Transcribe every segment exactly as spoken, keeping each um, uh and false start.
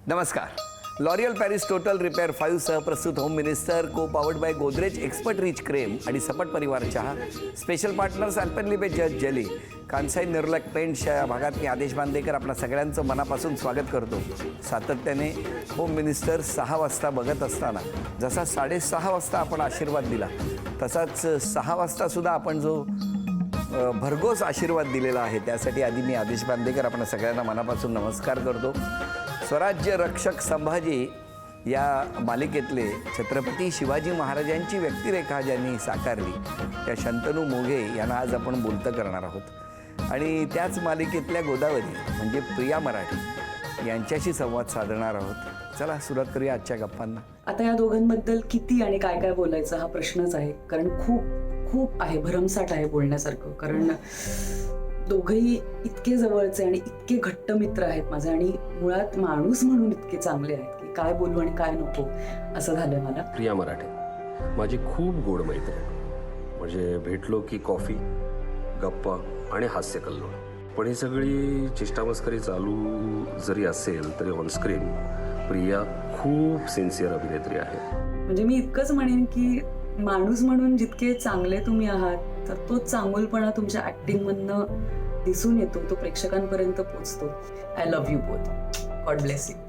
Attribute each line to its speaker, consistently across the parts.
Speaker 1: नमस्कार. L'Oreal Paris total repair five सह प्रस्तुत home minister co powered by Godrej expert rich creme आणि सपट परिवार चहा. Special partners Alpenliebe just jelly. Kansai Nerolac पेंट्सच्या या भागात मी आदेश बांदेकर आपल्या सगळ्यांचं मनापासून स्वागत करतो. सातत्याने होम मिनिस्टर सहा वाजता बघत असताना जसा साडेसहा वाजता आपण आशीर्वाद दिला तसाच सहा वाजतासुद्धा आपण जो भरघोस आशीर्वाद दिलेला आहे त्यासाठी आधी मी आदेश बांदेकर आपल्या सगळ्यांना मनापासून नमस्कार करतो. स्वराज्य रक्षक संभाजी या मालिकेतले छत्रपती शिवाजी महाराजांची व्यक्तिरेखा ज्यांनी साकारली त्या शंतनू मोघे यांना आज आपण बोलतं करणार आहोत आणि त्याच मालिकेतल्या गोदावरी म्हणजे प्रिया मराठी यांच्याशी संवाद साधणार आहोत. चला सुरुवात करूया आजच्या गप्पांना.
Speaker 2: आता या दोघांबद्दल किती आणि काय काय बोलायचं हा प्रश्नच आहे, कारण खूप खूप आहे, भरमसाठ आहे बोलण्यासारखं. कारण दोघंही इतके जवळचे आणि इतके घट्ट मित्र आहेत माझे आणि मुळात माणूस म्हणून इतके चांगले आहेत की काय बोलू आणि काय नको असं झालं मला.
Speaker 3: प्रिया मराठे माझी खूप गोड मैत्रीण, म्हणजे भेटलो की कॉफी, गप्पा आणि हास्य कल्लोळ. पण ही सगळी चेष्टामस्करी चालू जरी असेल तरी ऑनस्क्रीन प्रिया खूप सिन्सिअर अभिनेत्री आहे.
Speaker 2: म्हणजे मी इतकंच म्हणेन की माणूस म्हणून जितके चांगले तुम्ही आहात तर तो चांगुलपणा तुमच्या ऍक्टिंग मधनं दिसून येतो, तो प्रेक्षकांपर्यंत पोहोचतो. I love you both. God bless you.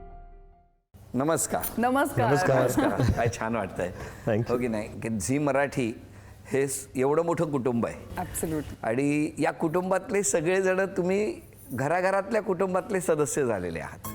Speaker 1: नमस्कार.
Speaker 4: नमस्कार.
Speaker 1: नमस्कार. काय छान वाटतंय हो की नाही की झी मराठी हे एवढं मोठं कुटुंब आहे.
Speaker 4: ॲब्सोल्युटली.
Speaker 1: आणि या कुटुंबातले सगळेजण तुम्ही घराघरातल्या कुटुंबातले सदस्य झालेले आहात.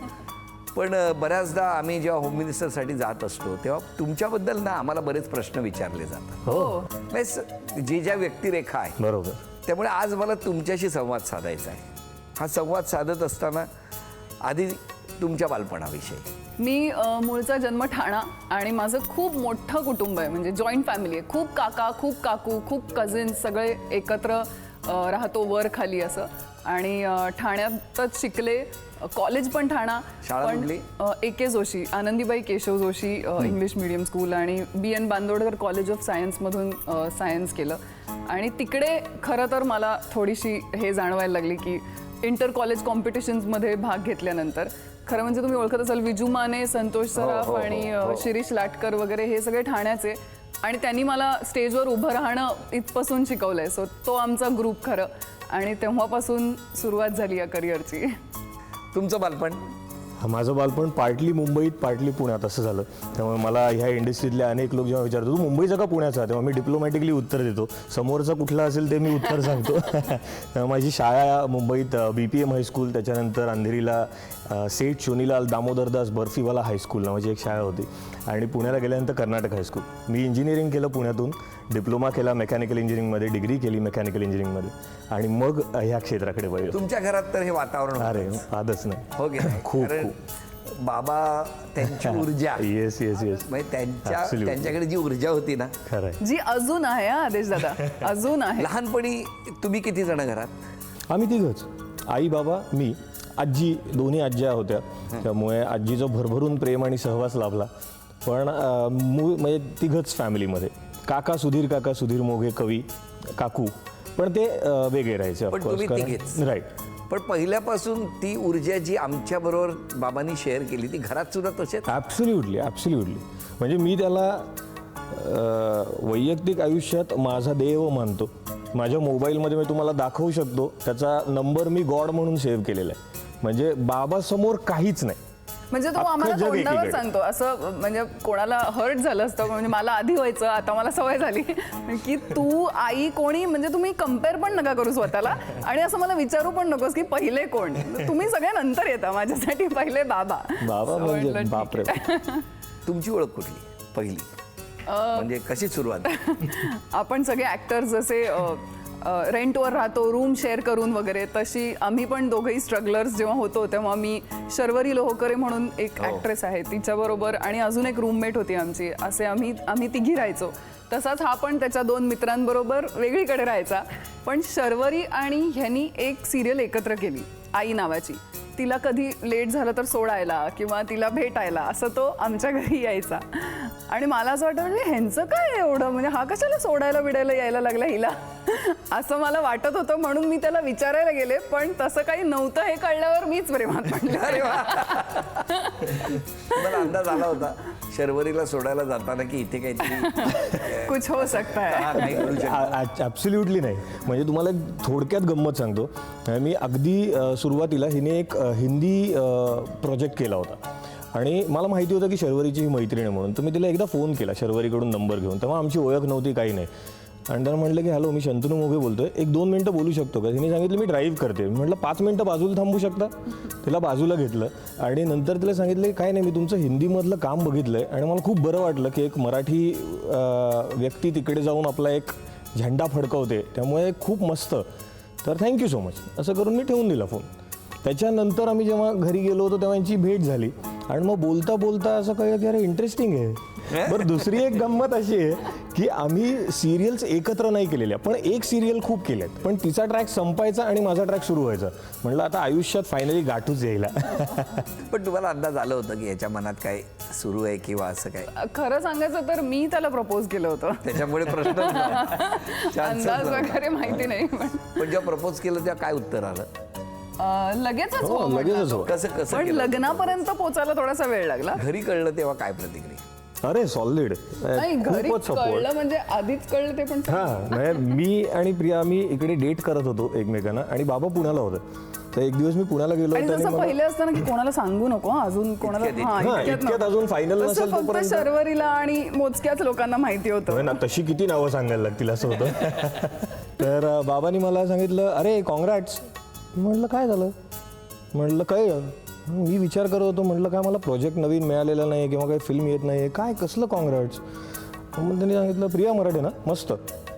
Speaker 1: पण बऱ्याचदा आम्ही जेव्हा होम मिनिस्टरसाठी जात असतो तेव्हा तुमच्याबद्दल ना आम्हाला बरेच प्रश्न विचारले जातात.
Speaker 4: हो.
Speaker 1: म्हणजे जी ज्या व्यक्तिरेखा आहे
Speaker 5: बरोबर.
Speaker 1: त्यामुळे आज मला तुमच्याशी संवाद साधायचा आहे. हा संवाद साधत असताना आधी तुमच्या बालपणाविषयी.
Speaker 4: मी अ, मूळचा जन्म ठाणा आणि माझं खूप मोठं कुटुंब आहे, म्हणजे जॉईंट फॅमिली आहे. खूप काका, खूप काकू, खूप कझिन्स सगळे एकत्र अ, राहतो वर खाली असं. आणि अ, ठाण्यातच शिकले. कॉलेज पण ठाणा.
Speaker 1: शाळा कुठली?
Speaker 4: A K Joshi, Anandibai Keshav Joshi English medium school आणि B N Bandodkar college of सायन्समधून सायन्स केलं. आणि तिकडे खरं तर मला थोडीशी हे जाणवायला लागली की इंटर कॉलेज कॉम्पिटिशन्समध्ये भाग घेतल्यानंतर खरं म्हणजे तुम्ही ओळखत असाल विजू माने, संतोष सराफ आणि शिरीष लाटकर वगैरे हे सगळे ठाण्याचे आणि त्यांनी मला स्टेजवर उभं राहणं इथपासून शिकवलंय. सो तो आमचा ग्रुप खरं आणि तेव्हापासून सुरुवात झाली या करिअरची.
Speaker 1: तुमचं बालपण?
Speaker 5: माझं बालपण पार्टली मुंबईत पार्टली पुण्यात असं झालं. त्यामुळे मला ह्या इंडस्ट्रीतले अनेक लोक जेव्हा विचारतो तू मुंबईचा का पुण्याचा, तेव्हा मी डिप्लोमॅटिकली उत्तर देतो. समोरचा कुठला असेल ते मी उत्तर सांगतो. माझी शाळा मुंबईत बी पी एम हायस्कूल, त्याच्यानंतर अंधेरीला सेठ शोनीलाल दामोदरदास बर्फीवाला हायस्कूल नावाची एक शाळा होती आणि पुण्याला गेल्यानंतर कर्नाटक हायस्कूल. मी इंजिनिअरिंग केलं पुण्यातून, डिप्लोमा केला मेकॅनिकल इंजिनिअरिंगमध्ये, डिग्री केली मेकॅनिकल इंजिनिअरिंगमध्ये आणि मग ह्या क्षेत्राकडे वळलो.
Speaker 1: तुमच्या घरात तर हे वातावरण
Speaker 5: अरे आदच नाही.
Speaker 1: हो की नाही?
Speaker 5: खूप
Speaker 1: कारण बाबा त्यांची ऊर्जा,
Speaker 5: येस येस येस
Speaker 1: म्हणजे त्यांच्या त्यांच्याकडे जी ऊर्जा होती ना,
Speaker 5: खरंय.
Speaker 4: जी अजून आहे हा आदेश दादा, अजून आहे.
Speaker 1: लहानपणी तुम्ही किती जण घरात?
Speaker 5: आम्ही तिघच, आई बाबा मी, आजी, दोन्ही आज्या होत्या. त्यामुळे आजीचं भरभरून प्रेम आणि सहवास लाभला. पण मूळ म्हणजे तिघच फॅमिलीमध्ये. काका सुधीर काका सुधीर मोघे कवी काकू, पण ते वेगळे राहायचे
Speaker 1: पण तुम्ही तिघेच.
Speaker 5: राईट.
Speaker 1: पण पहिल्यापासून ती ऊर्जा जी आमच्या बरोबर बाबांनी शेअर केली ती घरात सुद्धा तसेच.
Speaker 5: Absolutely absolutely. म्हणजे मी त्याला वैयक्तिक आयुष्यात माझा देव मानतो. माझ्या मोबाईलमध्ये मी तुम्हाला दाखवू शकतो त्याचा नंबर मी गॉड म्हणून सेव्ह केलेला आहे. म्हणजे बाबासमोर काहीच नाही.
Speaker 4: म्हणजे तो आम्हाला तोंडावर सांगतो असं, म्हणजे कोणाला हर्ट झालं असतं, म्हणजे मला आधी व्हायचं, आता मला सवय झाली की तू आई कोणी, म्हणजे तुम्ही कम्पेअर पण नका करू स्वतःला आणि असं मला विचारू पण नकोस की पहिले कोण, तुम्ही सगळ्या नंतर येता, माझ्यासाठी पहिले बाबा.
Speaker 5: बाबा म्हणजे बापरे.
Speaker 1: तुमची ओळख कुठली पहिली, म्हणजे कशी सुरुवात?
Speaker 4: आपण सगळे ऍक्टर्स जसे रेंटवर राहतो, रूम शेअर करून वगैरे, तशी आम्ही पण दोघंही स्ट्रगलर्स जेव्हा होतो तेव्हा मी शर्वरी लोहकरे म्हणून एक ॲक्ट्रेस आहे तिच्याबरोबर आणि अजून एक रूममेट होती आमची, असे आम्ही आम्ही तिघी राहायचो. तसाच हा पण त्याच्या दोन मित्रांबरोबर वेगळीकडे राहायचा. पण शर्वरी आणि ह्यांनी एक सिरियल एकत्र केली आई नावाची. तिला कधी लेट झालं तर सोडायला किंवा तिला भेटायला असं तो आमच्या घरी यायचा. आणि मला असं वाटतं म्हणजे ह्यांचं काय एवढं, म्हणजे हा कशाला सोडायला बिडायला यायला लागला हिला असं मला वाटत होतं. म्हणून मी त्याला विचारायला गेले, पण तसं काही नव्हतं हे कळल्यावर मीच प्रेमात पडले.
Speaker 1: अरे वा. मला अंदाज आला होता शर्वरीला सोडायला जाताना की इथे काहीतरी
Speaker 4: कुछ हो सकता है.
Speaker 1: हा, काही करू शकतो.
Speaker 5: ॲब्सोल्युटली नाही. म्हणजे तुम्हाला एक थोडक्यात गंमत सांगतो. मी अगदी अ, सुरुवातीला हिने एक अ, हिंदी प्रोजेक्ट केला होता आणि मला माहिती होतं की शर्वरीची ही मैत्रीण आहे म्हणून. तर मी तिला एकदा फोन केला शर्वरीकडून नंबर घेऊन. तेव्हा आमची ओळख नव्हती, काही नाही. आणि त्यानं म्हटलं की हॅलो, मी शंतनू मोघे बोलतोय, एक दोन मिनटं बोलू शकतो का. तिने सांगितलं मी ड्राईव्ह करते. मी म्हटलं पाच मिनटं बाजूला थांबू शकता. तिला बाजूला घेतलं आणि नंतर तिला सांगितलं काय नाही, मी तुमचं हिंदीमधलं काम बघितलं आहे आणि मला खूप बरं वाटलं की एक मराठी अ, व्यक्ती तिकडे जाऊन आपला एक झेंडा फडकवते, त्यामुळे खूप मस्त, तर थँक्यू सो मच असं करून मी ठेवून दिला फोन. त्याच्यानंतर आम्ही जेव्हा घरी गेलो होतो तेव्हा यांची भेट झाली आणि मग बोलता बोलता असं कळलं की अरे इंटरेस्टिंग आहे. बरं, दुसरी एक गंमत अशी आहे की आम्ही सिरियल्स एकत्र नाही केलेल्या, पण एक सिरियल खूप केल्यात. पण तिचा ट्रॅक संपायचा आणि माझा ट्रॅक सुरू व्हायचा. म्हटलं आता आयुष्यात फायनली गाठूच यायला.
Speaker 1: पण तुम्हाला अंदाज आलं होतं की याच्या मनात काय सुरू आहे किंवा असं काय?
Speaker 4: खरं सांगायचं तर मी त्याला प्रपोज केलं होतं.
Speaker 1: त्याच्यामुळे प्रश्न
Speaker 4: अंदाज वगैरे माहिती नाही, पण
Speaker 1: पण जेव्हा प्रपोज केलं तेव्हा काय उत्तर आलं?
Speaker 4: अं, लगेचच
Speaker 5: हो,
Speaker 4: हो म्हटला
Speaker 5: लगेचच
Speaker 4: तो.
Speaker 5: हो.
Speaker 1: कसं कसं
Speaker 4: पण
Speaker 1: केलं?
Speaker 4: लग्नापर्यंत पोचायला थोडासा वेळ लागला.
Speaker 1: घरी कळलं तेव्हा काय प्रतिक्रिया?
Speaker 5: अरे सॉलिड,
Speaker 4: नाही, घरी
Speaker 5: खूपच सपोर्ट.
Speaker 4: कळलं म्हणजे आधीच कळलं ते पण.
Speaker 5: हां, म्हणजे मी आणि प्रिया आम्ही इकडे डेट करत होतो एकमेकांना आणि बाबा पुण्याला होतं. तर एक दिवस मी पुण्याला गेलो
Speaker 4: आणि
Speaker 5: होतो आणि
Speaker 4: जसं
Speaker 5: मला-
Speaker 4: पहिले असतं ना की कोणाला सांगू नको हं, अजून कोणाला
Speaker 1: इतक्यात-
Speaker 4: हां,
Speaker 5: हां,
Speaker 4: इतक्यात
Speaker 5: इतक्यात
Speaker 4: नको.
Speaker 5: अजून फायनल
Speaker 4: तसं
Speaker 5: नसेल
Speaker 4: फक्त
Speaker 5: तोपर्यंत
Speaker 4: शर्वरीला आणि मोजक्याच लोकांना माहिती होतं.
Speaker 5: होय ना, तशी किती नावं सांगायला लागतील असं होतं. तर अं, बाबांनी मला सांगितलं अरे कॉंग्रॅट्स. म्हटलं काय झालं? म्हटलं काय, मी विचार करत होतो, म्हटलं काय मला प्रोजेक्ट नवीन मिळालेला नाही किंवा काही फिल्म येत नाही, काय कसलं कॉंग्रॅट्स. मग त्यांनी सांगितलं प्रिया मराठे ना, मस्त.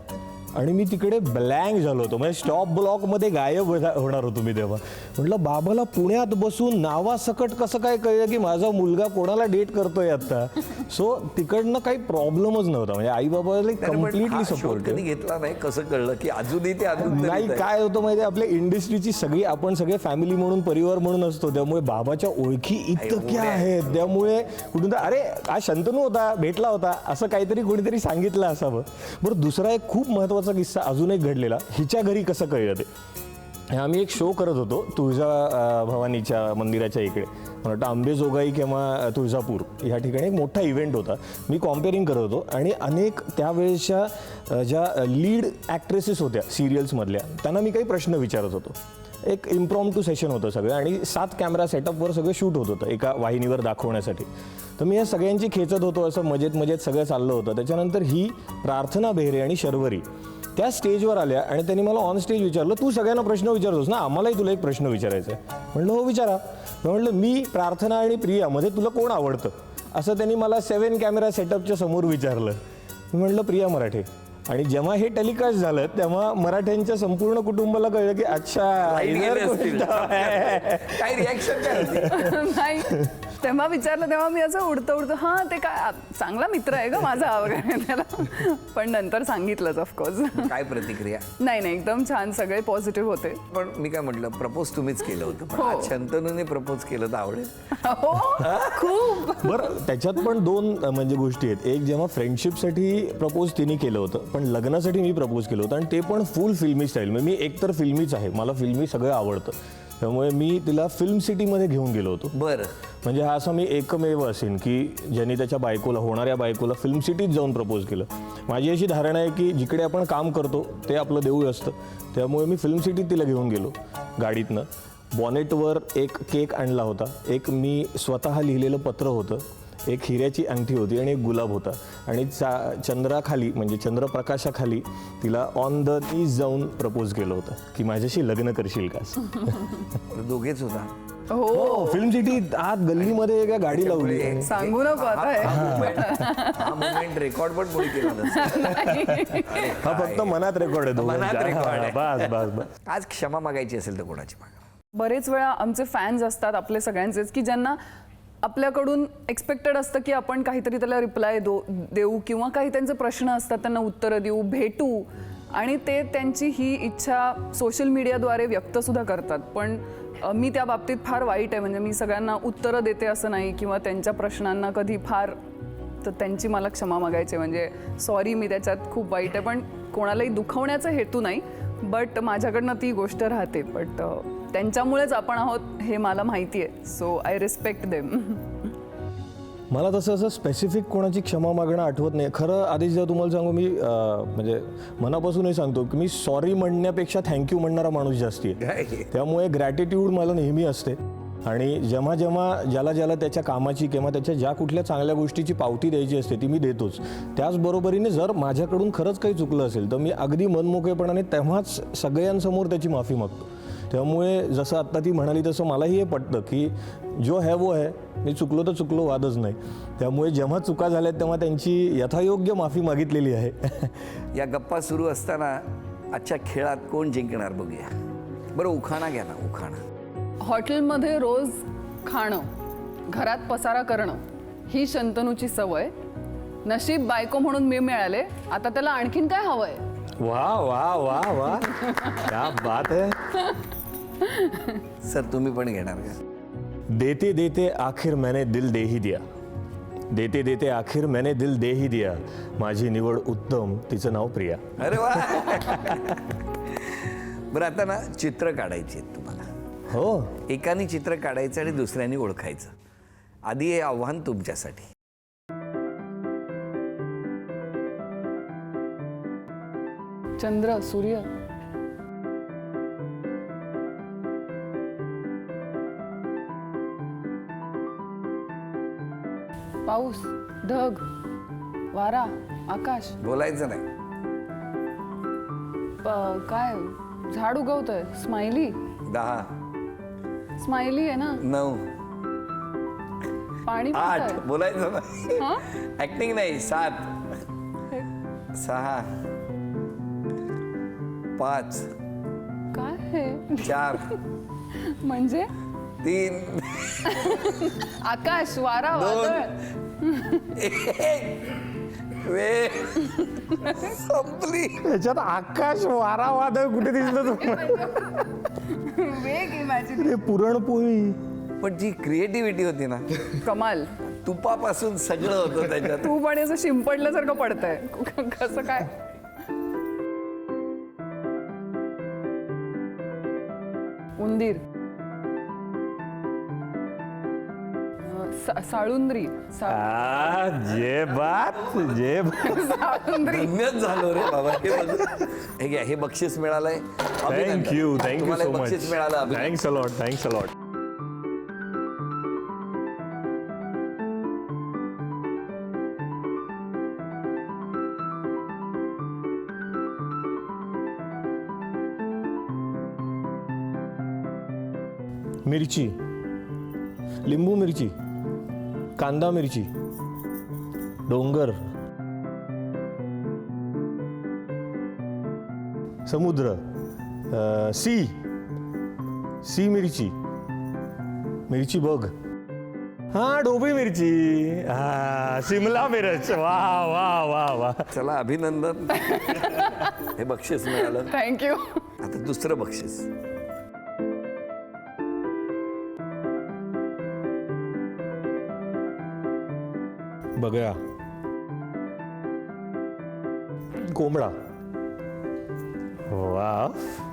Speaker 5: आणि मी तिकडे ब्लँक झालो होतो, म्हणजे स्टॉप ब्लॉकमध्ये गायब होता- होणार होतो मी तेव्हा. म्हटलं बाबाला पुण्यात बसून नावासकट कसं काय कळलं की माझा मुलगा कोणाला डेट करतोय आता. सो तिकडनं काही प्रॉब्लेमच नव्हता, म्हणजे आई बाबाला
Speaker 1: नाही, पण
Speaker 5: कम्प्लिटली
Speaker 1: हा शोध
Speaker 5: सपोर्ट.
Speaker 1: कधी घेतला नाही, कसं कळलं की अजूनही ते अजून
Speaker 5: नाही, काय होतं माहिती, आपल्या इंडस्ट्रीची सगळी आपण सगळे फॅमिली म्हणून परिवार म्हणून असतो, त्यामुळे बाबाच्या ओळखी इतक्या आहेत. त्यामुळे कुठून तर अरे हा शंतनू होता, भेटला होता, असं काहीतरी कोणीतरी सांगितलं असावं. बरं, दुसरा एक खूप महत्त्वाचा किस्सा अजून एक घडलेला. हिच्या घरी कसं कळलं ते, आम्ही एक शो करत होतो तुळजा अं, भवानीच्या मंदिराच्या इकडे, मला वाटतं अंबेजोगाई किंवा तुळजापूर ह्या ठिकाणी एक मोठा इव्हेंट होता. मी कॉम्पेअरिंग करत होतो आणि अनेक त्यावेळेसच्या अं, ज्या लीड ॲक्ट्रेसेस होत्या सिरियल्समधल्या त्यांना मी काही प्रश्न विचारत होतो. एक इम्प्रॉम्प्टू सेशन होतं सगळं आणि सात कॅमेरा सेटअपवर सगळं शूट होत होतं एका वाहिनीवर दाखवण्यासाठी. तर मी या सगळ्यांची खेचत होतो, असं मजेत मजेत सगळं चाललं होतं. त्याच्यानंतर ही प्रार्थना बेहरे आणि शर्वरी त्या स्टेजवर आल्या आणि त्यांनी मला ऑन स्टेज विचारलं, तू सगळ्यांना प्रश्न विचारतोस ना, आम्हालाही तुला एक प्रश्न विचारायचा आहे. म्हटलं हो विचारा. म्हटलं मी प्रार्थना आणि प्रिया मध्ये तुला कोण आवडतं, असं त्यांनी मला सेवन कॅमेरा सेटअपच्या समोर विचारलं. मी म्हटलं प्रिया मराठे. आणि जेव्हा हे टेलिकास्ट झालं तेव्हा मराठ्यांच्या संपूर्ण कुटुंबाला कळलं की अच्छा
Speaker 1: Line
Speaker 5: इधर
Speaker 1: गेले असतील.
Speaker 5: कोणता आहे.
Speaker 1: काय रिॲक्शन काय होती?
Speaker 4: नाही, तेव्हा विचारलं तेव्हा मी असं उडतं उडतं हां ते काय चांगला मित्र आहे का माझा वगैरे त्याला. पण नंतर सांगितलंच ऑफकोर्स.
Speaker 1: काय प्रतिक्रिया?
Speaker 4: नाही नाही, एकदम छान, सगळे पॉझिटिव्ह होते.
Speaker 1: पण मी काय म्हटलं, प्रपोज तुम्हीच केलं होतं, पण
Speaker 4: हो.
Speaker 1: आज शंतनूने प्रपोज केलं तर आवडेल.
Speaker 4: हो, खूप.
Speaker 5: बरं, त्याच्यात पण दोन अ, म्हणजे गोष्टी आहेत. एक जेव्हा फ्रेंडशिपसाठी प्रपोज तिने केलं होतं, पण लग्नासाठी मी प्रपोज केलं होतं आणि ते पण फुल फिल्मी स्टाईल. म्हणजे मी एकतर फिल्मीच आहे, मला फिल्मी सगळं आवडतं, त्यामुळे मी तिला फिल्म सिटीमध्ये घेऊन गेलो होतो.
Speaker 1: बरं,
Speaker 5: म्हणजे हा असा मी एकमेव असेन की ज्यांनी त्याच्या बायकोला, होणाऱ्या बायकोला फिल्म सिटीत जाऊन प्रपोज केलं. माझी अशी धारणा आहे की जिकडे आपण काम करतो ते आपलं देऊळ असतं, त्यामुळे मी फिल्म सिटीत तिला घेऊन गेलो गाडीतनं. बॉनेटवर एक केक आणला होता, एक मी स्वतः लिहिलेलं पत्र होतं, एक हिऱ्याची अंगठी होती आणि एक गुलाब होता. आणि चा चंद्राखाली म्हणजे चंद्रप्रकाशाखाली तिला ऑन द नीज जाऊन प्रपोज केलं होतं की माझ्याशी लग्न करशील का.
Speaker 1: दोघेच होता.
Speaker 4: हो,
Speaker 5: फिल्म सिटी आत गल्लीमध्ये एका गाडी लावली.
Speaker 1: त्यामुळे
Speaker 4: सांगू नको आता हे.
Speaker 1: हा मोमेंट रेकॉर्ड पण कोणी केला नसेल.
Speaker 5: हा फक्त मनात रेकॉर्ड आहे
Speaker 1: मनात
Speaker 5: दोघांच्या.
Speaker 1: रेकॉर्ड आहे.
Speaker 5: हा, बस बस बस.
Speaker 1: आज क्षमा मागायची असेल तर कोणाची मागा?
Speaker 4: बरेच वेळा आमचे फॅन्स असतात आपले सगळ्यांचेच की ज्यांना आपल्याकडून एक्सपेक्टेड असतं की आपण काहीतरी त्याला रिप्लाय दो देऊ किंवा काही त्यांचे प्रश्न असतात त्यांना उत्तरं देऊ, भेटू. आणि ते त्यांची ही इच्छा सोशल मीडियाद्वारे व्यक्तसुद्धा करतात. पण अ, मी त्या बाबतीत फार वाईट आहे. म्हणजे मी सगळ्यांना उत्तरं देते असं नाही किंवा त्यांच्या प्रश्नांना कधी फार, तर त्यांची मला क्षमा मागायची. म्हणजे सॉरी, मी त्याच्यात खूप वाईट आहे. पण कोणालाही दुखवण्याचा हेतू नाही, बट माझ्याकडनं ती गोष्ट राहते. बट त्यांच्यामुळेच आपण आहोत हे मला माहिती आहे. So I respect them.
Speaker 5: मला तसं असं स्पेसिफिक कोणाची क्षमा मागणं आठवत नाही. खरं आधी जेव्हा तुम्हाला सांगू, मी अं, म्हणजे मनापासूनही सांगतो की मी सॉरी म्हणण्यापेक्षा थँक्यू म्हणणारा माणूस जास्ती आहे. त्यामुळे ग्रॅटिट्यूड मला नेहमी असते. आणि जेव्हा जेव्हा ज्याला ज्याला त्याच्या कामाची किंवा त्याच्या ज्या कुठल्या चांगल्या गोष्टीची पावती द्यायची असते ती मी देतोच. त्याचबरोबरीने जर माझ्याकडून खरंच काही चुकलं असेल तर मी अगदी मनमोकळेपणाने तेव्हाच सगळ्यांसमोर त्याची माफी मागतो. त्यामुळे जसं आत्ता ती म्हणाली तसं मलाही हे पटतं की जो है वो है, मी चुकलो तर चुकलो, वादच नाही. त्यामुळे जेव्हा चुका झाल्यात तेव्हा त्यांची यथायोग्य माफी मागितलेली आहे.
Speaker 1: या गप्पा सुरू असताना आजच्या खेळात कोण जिंकणार बघूया. बरं, उखाणा घ्या ना, उखाणा.
Speaker 4: हॉटेलमध्ये रोज खाणं, घरात पसारा करणं ही शंतनूची सवय. नशीब बायको म्हणून मी मिळाले, आता त्याला आणखीन काय हवंय.
Speaker 5: वा वा वा वा, क्या बात है.
Speaker 1: सर, तुम्ही पण घेणार का?
Speaker 5: देते देते आखिर मैंने दिल दे ही दिया, देते देते आखिर मैंने दिल दे ही दिया, माझी निवड उत्तम, तिचं नाव प्रिया.
Speaker 1: अरे वा. बरं, आता ना चित्र काढायची आहेत तुम्हाला.
Speaker 5: हो,
Speaker 1: एकाने चित्र काढायचं आणि दुसऱ्याने ओळखायचं. आधी हे आव्हान तुमच्यासाठी.
Speaker 4: चंद्र, सूर्य, पाऊस, ढग, वारा, आकाश,
Speaker 1: बोलायचं नाही.
Speaker 4: प- काय झाड उगवतंय, स्माइली.
Speaker 1: दहा,
Speaker 4: स्माइली आहे ना.
Speaker 1: नऊ,
Speaker 4: पाणी
Speaker 1: आठ,
Speaker 4: पितंय.
Speaker 1: बोलायचं नाही.
Speaker 4: हा?
Speaker 1: ऍक्टिंग नाही. सात, सहा, पाच,
Speaker 4: काय हे
Speaker 1: चार,
Speaker 4: म्हणजे
Speaker 1: तीन,
Speaker 4: आकाश, वारा, वादळ.
Speaker 1: वेळ संपली.
Speaker 5: त्याच्यात आकाश वारा वादळ कुठे दिसलं तुम्हाला.
Speaker 4: वेग इमॅजिन.
Speaker 5: ते पुरणपोळी.
Speaker 1: पण जी क्रिएटिव्हिटी होती ना,
Speaker 4: कमाल.
Speaker 1: तुपापासून सगळं होतं त्याच्यात.
Speaker 4: तू पण असं शिंपडल्यासारखं पडतंय. कसं काय. उंदीर, अं, सा- साळुंद्री, सा-
Speaker 5: आ, जे बात जे बात.
Speaker 4: साळुंद्री.
Speaker 1: धन्यच झालो रे बाबा. हे बघ. हे घ्या, हे बक्षीस मिळालंय. अभिनंदन.
Speaker 5: थँक्यू थँक्यू
Speaker 1: तुम्हाला
Speaker 5: सो
Speaker 1: हे
Speaker 5: मच.
Speaker 1: बक्षीस मिळालं. अभिनंदन.
Speaker 5: Thanks a lot thanks a lot. मिरची, लिंबू मिरची, कांदा मिरची, डोंगर, समुद्र, अ, सी सी मिरची, मिरची बघ, हा ढोबळी मिरची, हा शिमला मिरच. वा वा वा वा.
Speaker 1: चला, अभिनंदन. हे बक्षीस मिळालं.
Speaker 4: थँक्यू.
Speaker 1: आता दुसरं बक्षीस.
Speaker 5: बघा, कोंबडा. वा,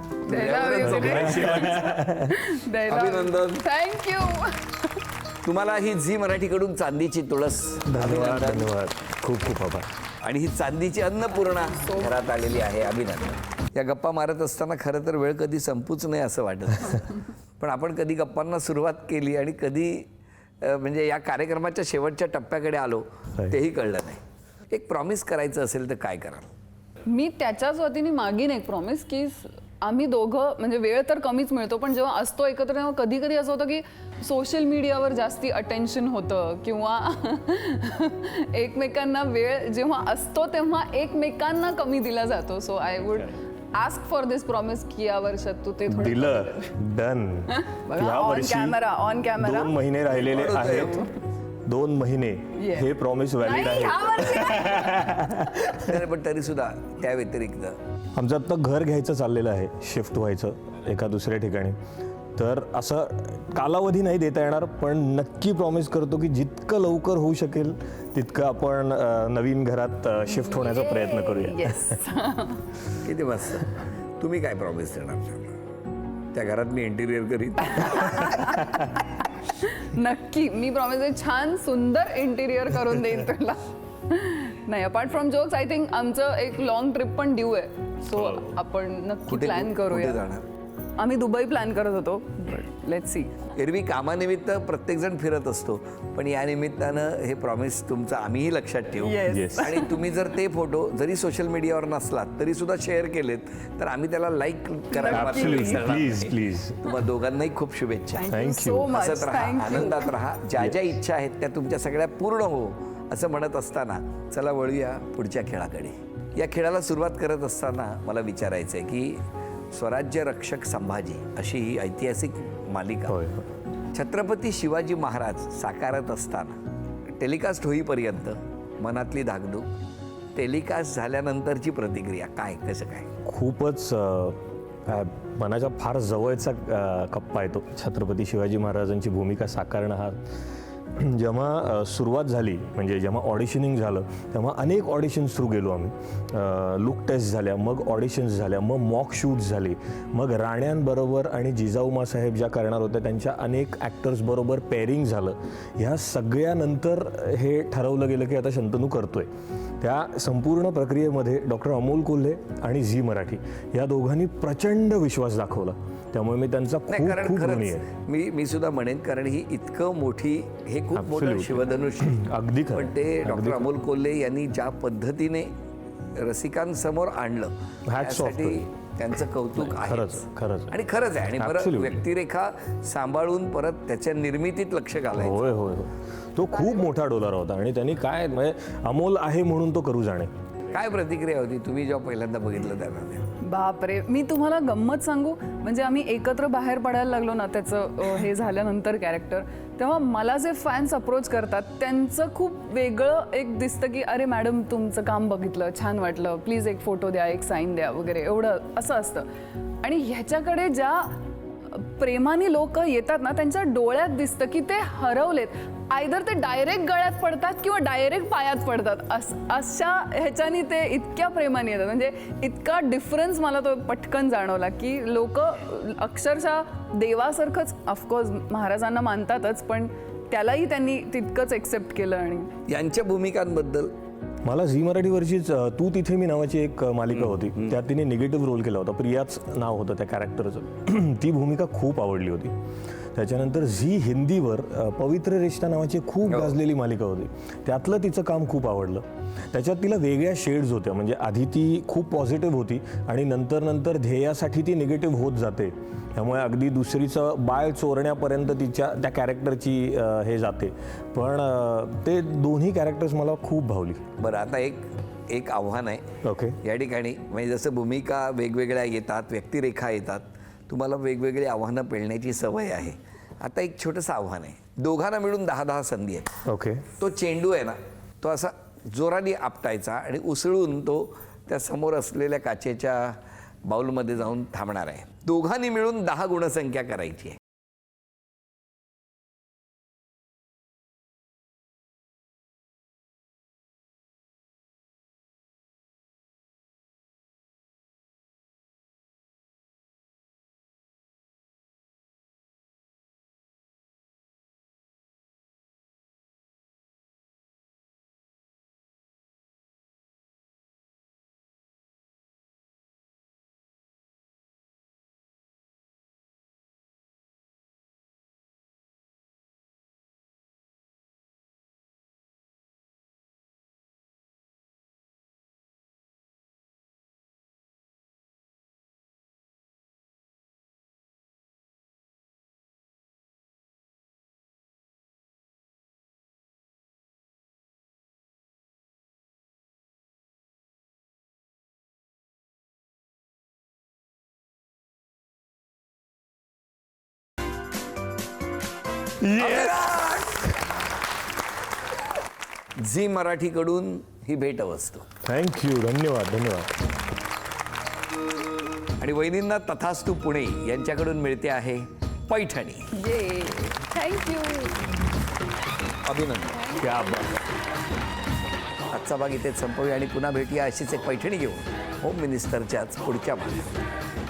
Speaker 1: अभिनंदन.
Speaker 4: थँक्यू.
Speaker 1: तुम्हाला ही झी मराठीकडून चांदीची तुळस.
Speaker 5: धन्यवाद
Speaker 1: अभिनंदन.
Speaker 5: धन्यवाद, खूप खूप आभार.
Speaker 1: आणि ही चांदीची अन्नपूर्णा घरात आलेली आहे. अभिनंदन. या गप्पा मारत असताना खरं तर वेळ कधी संपूच नाही असं वाटत. पण आपण कधी गप्पांना सुरुवात केली आणि कधी अ, म्हणजे या कार्यक्रमाच्या शेवटच्या टप्प्याकडे आलो तेही कळलं नाही. एक प्रॉमिस करायचं असेल तर काय कराल?
Speaker 4: मी त्याच्याच वतीने मागीन एक प्रॉमिस की स- आम्ही दोघं म्हणजे वेळ तर कमीच मिळतो पण जेव्हा असतो एकत्र तेव्हा कधी कधी असं होतं की सोशल मीडियावर जास्ती अटेन्शन होतं किंवा एकमेकांना वेळ जेव्हा असतो तेव्हा एकमेकांना कमी दिला जातो. So I would ask for this promise की या वर्षात तू ते थोडं
Speaker 5: दिलं, डन. या
Speaker 4: ऑन
Speaker 5: वर्षी
Speaker 4: कॅमेरा ऑन कॅमेरा
Speaker 5: दोन महिने राहिलेले आहेत. दोन महिने
Speaker 4: Yes.
Speaker 5: हे प्रॉमिस व्हॅलिड
Speaker 4: नाही,
Speaker 5: आहे.
Speaker 4: ह्या वर्षी नाही.
Speaker 1: नाही, पण तरी सुद्धा त्या व्यतिरिक्त
Speaker 5: आमचं आत्ता घर घ्यायचं चाललेलं आहे, शिफ्ट व्हायचं एका दुसऱ्या ठिकाणी. तर असं कालावधी नाही देता येणार, पण नक्की प्रॉमिस करतो की जितकं लवकर होऊ शकेल तितकं आपण अ, नवीन घरात शिफ्ट होण्याचा प्रयत्न करूया.
Speaker 4: Yes.
Speaker 1: किती मस्त. तुम्ही काय प्रॉमिस देणार त्या घरात? मी इंटिरियर करीन.
Speaker 4: नक्की मी प्रॉमिस छान सुंदर इंटिरियर करून देईन तुला. नाही, apart from jokes I think आमचं एक लॉंग ट्रिप पण ड्यू आहे, सो आपण नक्की
Speaker 1: कुठे
Speaker 4: प्लॅन
Speaker 1: कुठे
Speaker 4: करूया.
Speaker 1: जाणार?
Speaker 4: आम्ही दुबई प्लॅन करत होतो, लेट्स सी.
Speaker 1: एरवी कामानिमित्त प्रत्येकजण फिरत असतो, पण या निमित्तानं हे प्रॉमिस तुमचं आम्हीही लक्षात ठेवू.
Speaker 4: Yes.
Speaker 5: Yes.
Speaker 1: आणि तुम्ही जर ते फोटो जरी सोशल मीडियावर नसलात तरी सुद्धा शेअर केलेत तर आम्ही त्याला लाईक करायला मात्र
Speaker 5: Absolutely.
Speaker 1: विसरणार
Speaker 5: Please,
Speaker 1: नाही.
Speaker 5: please.
Speaker 1: तुम्हा दोघांनाही खूप शुभेच्छा.
Speaker 4: Thank you
Speaker 5: Thank
Speaker 4: so
Speaker 5: you.
Speaker 4: Much.
Speaker 1: हसत राहा,
Speaker 4: थँक्यू.
Speaker 1: आनंदात राहा. ज्या ज्या इच्छा आहेत त्या तुमच्या सगळ्या पूर्ण हो असं म्हणत असताना चला वळूया पुढच्या खेळाकडे. या खेळाला सुरुवात करत असताना मला विचारायचं आहे की स्वराज्य रक्षक संभाजी अशी ही ऐतिहासिक मालिका
Speaker 5: होय.
Speaker 1: छत्रपती शिवाजी महाराज साकारत असताना टेलिकास्ट होईपर्यंत मनातली धाकधूक, टेलिकास्ट झाल्यानंतरची प्रतिक्रिया काय, कसं काय?
Speaker 5: खूपच अ, अ, मनाच्या फार जवळचा अ, कप्पा आहे तो. छत्रपती शिवाजी महाराजांची भूमिका साकारणं हा जेव्हा अ, सुरुवात झाली, म्हणजे जेव्हा ऑडिशनिंग झालं तेव्हा अनेक ऑडिशन्स थ्रू गेलो आम्ही. लुक टेस्ट झाल्या, मग ऑडिशन्स झाल्या, मग मॉक शूट्स झाले, मग राण्यांबरोबर आणि जिजाऊमा साहेब ज्या करणार होत्या त्यांच्या अनेक ॲक्टर्सबरोबर पेअरिंग झालं. ह्या सगळ्यानंतर हे ठरवलं गेलं की आता शंतनू करतोय. त्या संपूर्ण प्रक्रियेमध्ये डॉक्टर अमोल कोल्हे आणि झी मराठी या दोघांनी प्रचंड विश्वास दाखवला. त्यामुळे मी त्यांचा
Speaker 1: नाही,
Speaker 5: खूप
Speaker 1: कारण
Speaker 5: खूप ऋणी
Speaker 1: खरंच
Speaker 5: आहे.
Speaker 1: मी मी सुद्धा म्हणेन, कारण ही इतकं मोठी, हे खूप मोठं
Speaker 5: Absolutely.
Speaker 1: शिवधनुष्य.
Speaker 5: अगदी खरं.
Speaker 1: पण ते
Speaker 5: अगदी
Speaker 1: डॉक्टर
Speaker 5: खरं.
Speaker 1: अमोल कोल्हे यांनी ज्या पद्धतीने रसिकांसमोर आणलं
Speaker 5: Hats off
Speaker 1: त्यासाठी
Speaker 5: to
Speaker 1: त्यांचं कौतुक आहे.
Speaker 5: खरंच, खरंच.
Speaker 1: आणि खरंच आहे. आणि परत
Speaker 5: Absolutely.
Speaker 1: व्यक्तिरेखा सांभाळून परत त्याच्या निर्मितीत लक्ष घालायचं.
Speaker 5: होय होय होय. तो खूप मोठा डोलारा होता आणि त्यांनी काय म्हणजे अमोल आहे म्हणून तो करू जाणे.
Speaker 1: काय प्रतिक्रिया होती तुम्ही जेव्हा पहिल्यांदा बघितलं त्यामध्ये?
Speaker 4: बापरे, मी तुम्हाला गंमत सांगू, म्हणजे आम्ही एकत्र बाहेर पडायला लागलो ना त्याचं अ, हे झाल्यानंतर कॅरेक्टर, तेव्हा मला जे फॅन्स अप्रोच करतात त्यांचं खूप वेगळं एक दिसतं की अरे मॅडम तुमचं काम बघितलं, छान वाटलं, प्लीज एक फोटो द्या, एक साईन द्या वगैरे, एवढं असं असतं. आणि ह्याच्याकडे ज्या प्रेमाने लोक येतात ना त्यांच्या डोळ्यात दिसतं की ते हरवलेत. आयदर ते डायरेक्ट गळ्यात पडतात किंवा डायरेक्ट पायात पडतात. अस अशा ह्याच्यानी ते इतक्या प्रेमाने येतात. म्हणजे इतका डिफरन्स मला तो पटकन जाणवला की लोक अक्षरशः देवासारखंच, ऑफकोर्स महाराजांना मानतातच, पण त्यालाही त्यांनी तितकंच एक्सेप्ट केलं. आणि
Speaker 1: यांच्या भूमिकांबद्दल
Speaker 5: मला झी मराठीवरचीच अ, तू तिथे मी नावाची एक अ, मालिका होती, त्यात तिने निगेटिव्ह रोल केला होता. प्रियाच नाव होतं त्या कॅरेक्टरचं. ती भूमिका खूप आवडली होती. त्याच्यानंतर झी हिंदीवर अ, पवित्र रिश्ता नावाची खूप गाजलेली मालिका होती, त्यातलं तिचं काम खूप आवडलं. त्याच्यात तिला वेगळ्या शेड्स होत्या. म्हणजे आधी ती खूप पॉझिटिव्ह होती आणि नंतर नंतर ध्येयासाठी ती निगेटिव्ह होत जाते. त्यामुळे अगदी दुसरीचं बाळ चोरण्यापर्यंत तिच्या त्या कॅरेक्टरची अ, हे जाते. पण अ, ते दोन्ही कॅरेक्टर्स मला खूप भावली.
Speaker 1: बरं, आता एक एक आव्हान आहे
Speaker 5: ओके.
Speaker 1: या ठिकाणी. म्हणजे जसं भूमिका वेगवेगळ्या येतात, व्यक्तिरेखा येतात, तुम्हाला वेगवेगळी आव्हानं पेलण्याची सवय आहे. आता एक छोटंसं आव्हान आहे. दोघांना मिळून दहा दहा संधी आहेत.
Speaker 5: ओके.
Speaker 1: तो चेंडू आहे ना, तो असा जोराने आपटायचा आणि उसळून तो त्या समोर असलेल्या काचेच्या बाउलमध्ये जाऊन थांबणार आहे. दोघांनी मिळून दहा गुणसंख्या करायची आहे. झी मराठीकडून ही भेटवस्तू.
Speaker 5: थँक्यू, धन्यवाद धन्यवाद.
Speaker 1: आणि वहिनींना तथास्तू पुणे यांच्याकडून मिळते आहे पैठणी.
Speaker 4: ये थँक्यू.
Speaker 1: अभिनंदन. क्या बात. आजचा भाग इथेच संपवूया आणि पुन्हा भेटूया अशीच एक पैठणी घेऊन होम मिनिस्टरच्याच पुढच्या भागात.